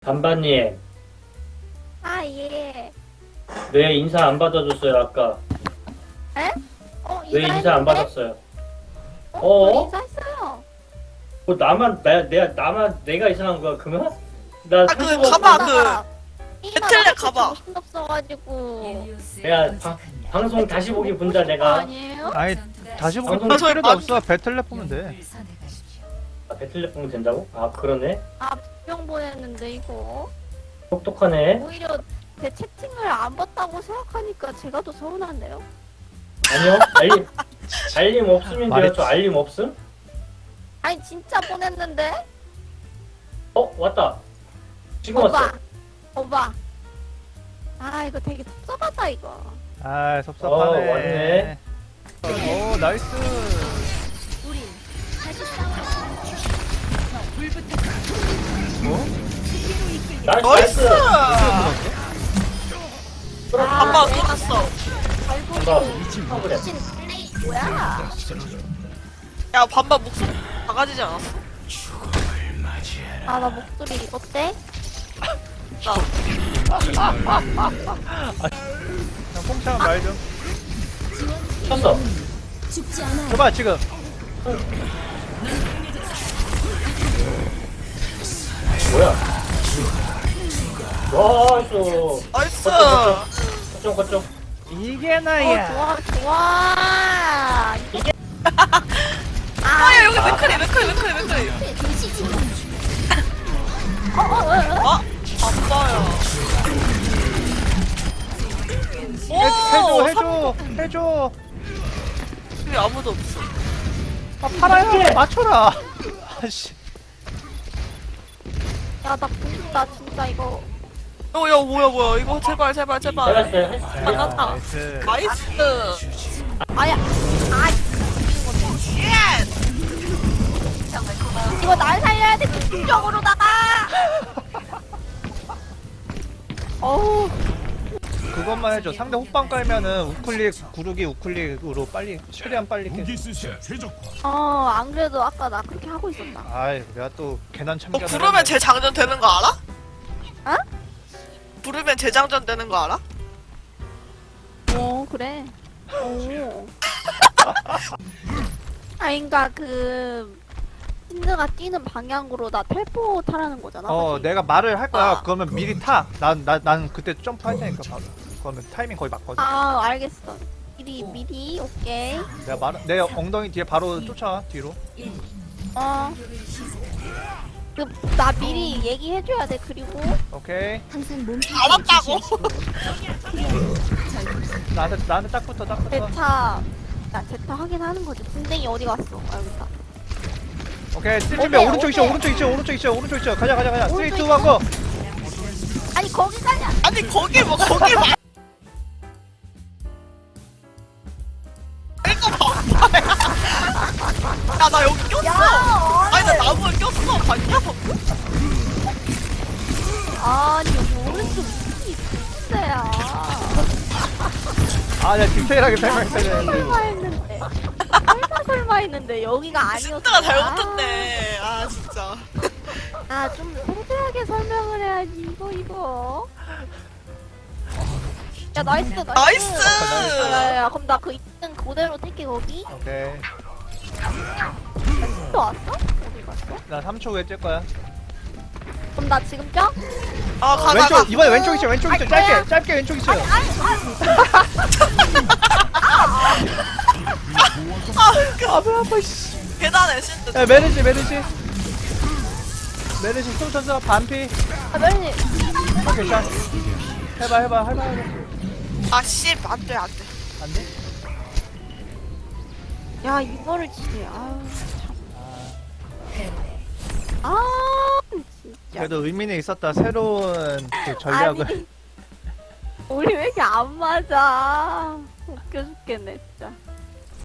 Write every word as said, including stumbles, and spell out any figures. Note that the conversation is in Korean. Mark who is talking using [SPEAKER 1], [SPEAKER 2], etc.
[SPEAKER 1] 반반님,
[SPEAKER 2] 아, 예.
[SPEAKER 1] 왜 인사 안 받아줬어요, 아까?
[SPEAKER 2] 에? 어,
[SPEAKER 1] 왜 인사 안
[SPEAKER 2] 인사했는데?
[SPEAKER 1] 받았어요?
[SPEAKER 2] 어?
[SPEAKER 1] 어?
[SPEAKER 2] 저 인사했어요.
[SPEAKER 1] 뭐 나만, 나, 내가, 나만, 내가 이상한 거야, 그러면? 나
[SPEAKER 3] 아, 그
[SPEAKER 1] 사주고
[SPEAKER 3] 가봐,
[SPEAKER 2] 그러다가
[SPEAKER 3] 그
[SPEAKER 2] 게임하다
[SPEAKER 3] 배틀넷
[SPEAKER 2] 할
[SPEAKER 3] 가봐.
[SPEAKER 2] 정신 없어가지고.
[SPEAKER 1] 내가 방, 방송 다시 보기 본다, 내가.
[SPEAKER 2] 아니에요?
[SPEAKER 4] 아니 다시 보기
[SPEAKER 1] 방송
[SPEAKER 4] 볼
[SPEAKER 3] 저희
[SPEAKER 4] 필요도
[SPEAKER 3] 방-
[SPEAKER 4] 없어. 배틀넷 보면 돼.
[SPEAKER 1] 아, 배틀넷 보면 된다고? 아, 그러네.
[SPEAKER 2] 아, 분명 보냈는데, 이거.
[SPEAKER 1] 똑똑하네.
[SPEAKER 2] 오히려 제 채팅을 안 봤다고 생각하니까 제가 더 서운한데요?
[SPEAKER 1] 아니요, 알림, 알림 없으면 돼요.
[SPEAKER 4] 말했지.
[SPEAKER 1] 저 알림 없음?
[SPEAKER 2] 아니, 진짜 보냈는데?
[SPEAKER 1] 어, 왔다. 지금
[SPEAKER 2] 오빠.
[SPEAKER 1] 왔어.
[SPEAKER 2] 오빠. 아, 이거 되게 섭섭하다, 이거.
[SPEAKER 4] 아 섭섭하네.
[SPEAKER 1] 어, 왔네.
[SPEAKER 4] 오 나이스. 뭐?
[SPEAKER 1] 나이스,
[SPEAKER 3] 나이스!
[SPEAKER 1] 나이스. 그럼
[SPEAKER 2] 아,
[SPEAKER 3] 반반
[SPEAKER 2] 내가
[SPEAKER 3] 쏟았어.
[SPEAKER 2] 결국
[SPEAKER 1] 반반. 그래.
[SPEAKER 2] 미친 플레이 뭐야?
[SPEAKER 3] 야, 반반 목소리 작아지지 않았어?
[SPEAKER 2] 아, 나 목소리 어때?
[SPEAKER 3] 나.
[SPEAKER 4] 그냥 뽕창은 말 좀.
[SPEAKER 1] 쳤어.
[SPEAKER 4] 해봐 지금.
[SPEAKER 1] 뭐야? 나이스.
[SPEAKER 3] 나이스!
[SPEAKER 1] 거점, 거점.
[SPEAKER 4] 이게
[SPEAKER 2] 어,
[SPEAKER 4] 나야.
[SPEAKER 2] 좋아, 좋아.
[SPEAKER 1] 이게-
[SPEAKER 2] 아,
[SPEAKER 3] 아, 야, 여기 맥크리, 맥크리, 맥크리, 맥크리.
[SPEAKER 2] 어, 어, 어, 어.
[SPEAKER 3] 아, 아빠야.
[SPEAKER 4] 해줘
[SPEAKER 3] 오!
[SPEAKER 4] 해줘 해줘.
[SPEAKER 3] 여기 아무도 없어.
[SPEAKER 4] 아 팔아요. 맞춰라. 아씨.
[SPEAKER 2] 야, 나 보인다, 진짜 이거.
[SPEAKER 3] 어, 야, 뭐야, 뭐야. 이거 제발, 제발, 제발.
[SPEAKER 1] 잘했어요. 했어요.
[SPEAKER 3] 만났다.
[SPEAKER 4] 나이스.
[SPEAKER 3] 나이스!
[SPEAKER 2] 아야, 아,
[SPEAKER 3] 예!
[SPEAKER 2] 이거 날 살려야 돼, 집중적으로다가. 어우,
[SPEAKER 4] 그것만 해줘. 상대 호빵 깔면은 우클릭 구르기 우클릭으로 빨리 최대한 빨리 깨.
[SPEAKER 2] 어, 안 그래도 아까 나 그렇게 하고 있었다.
[SPEAKER 4] 아이 내가 또 괜한
[SPEAKER 3] 너
[SPEAKER 4] 참견을.
[SPEAKER 3] 부르면
[SPEAKER 4] 했네.
[SPEAKER 3] 재장전 되는 거 알아?
[SPEAKER 2] 어?
[SPEAKER 3] 부르면 재장전 되는 거 알아?
[SPEAKER 2] 어, 그래. 오. 아, 그니까 그, 힌드가 뛰는 방향으로 나 텔포 타라는 거잖아.
[SPEAKER 4] 어
[SPEAKER 2] 그치?
[SPEAKER 4] 내가 말을 할 거야.
[SPEAKER 3] 아.
[SPEAKER 4] 그러면 미리 타. 난 난 난 그때 점프 할 테니까 바로. 그러면 타이밍 거의 맞거든.
[SPEAKER 2] 아, 알겠어. 미리, 미리, 오케이.
[SPEAKER 4] 내가 말, 내 엉덩이 뒤에 바로 쫓아와 뒤로.
[SPEAKER 2] 어. 그, 나 미리 얘기해줘야 돼, 그리고.
[SPEAKER 4] 오케이.
[SPEAKER 3] 알았다고!
[SPEAKER 4] 나한테 나한테 딱 붙어 딱 붙어.
[SPEAKER 2] 제타. 야, 제타 확인하는 거지. 군댕이 어디 갔어? 아, 여기 있다.
[SPEAKER 4] 오케이. 뛸 준비.
[SPEAKER 2] 오케이,
[SPEAKER 4] 오른쪽 있어
[SPEAKER 2] 오케이.
[SPEAKER 4] 오른쪽 있어 오른쪽 있어 오른쪽 있어. 가자 가자 가자. 쓰리
[SPEAKER 2] 오른쪽
[SPEAKER 4] 투
[SPEAKER 2] 있어?
[SPEAKER 4] 원 고.
[SPEAKER 2] 아니, 거기 가냐?
[SPEAKER 3] 아니, 거기 뭐, 거기 막. 이거 봐. 야, 나 여기 꼈어!
[SPEAKER 2] 야,
[SPEAKER 3] 아니, 나
[SPEAKER 2] 아니,
[SPEAKER 3] 나무에 꼈어. 봤냐?
[SPEAKER 2] 아니, 여기 오른쪽 밑이 진짜야.
[SPEAKER 4] 아 내가 디테일하게 설명했어야 되는데.
[SPEAKER 2] 설마 했는데. 설마 설마 했는데 여기가 아니었어.
[SPEAKER 3] 진짜가 잘못했네. 아, 진짜.
[SPEAKER 2] 아, 좀 세세하게 설명을 해야지. 이거 이거. 야, 나이스 나이스.
[SPEAKER 3] 나이스!
[SPEAKER 2] 야야야, 그럼 나 그 있는 그대로 뛸게 거기.
[SPEAKER 4] 오케이.
[SPEAKER 2] 또 왔어? 어디 갔어?
[SPEAKER 4] 나 삼 초 후에 뛸 거야.
[SPEAKER 2] 그럼 나 지금 껴?
[SPEAKER 3] 아, 가, 가, 가.
[SPEAKER 4] 왼쪽 이번에 왼쪽 있어 왼쪽 있어.
[SPEAKER 2] 아니, 뭐야?
[SPEAKER 4] 짧게 짧게 왼쪽 있어.
[SPEAKER 2] 아니 아니.
[SPEAKER 3] 아, 배 아파, 씨. 계단에 신드.
[SPEAKER 4] 야 메르시 메르시. 메르시 쏘 쳤어 반피.
[SPEAKER 2] 아, 멜니.
[SPEAKER 4] 오케이 샷. 해봐 해봐 해봐 해봐.
[SPEAKER 3] 아, 씨. 안 돼, 안 돼.
[SPEAKER 4] 안 돼?
[SPEAKER 2] 야, 이거를 치네. 아유 참. 아, 진짜.
[SPEAKER 4] 그래도 의미는 있었다. 새로운 그 전략을.
[SPEAKER 2] 아니, 우리 왜 이렇게 안 맞아? 웃겨 죽겠네 진짜.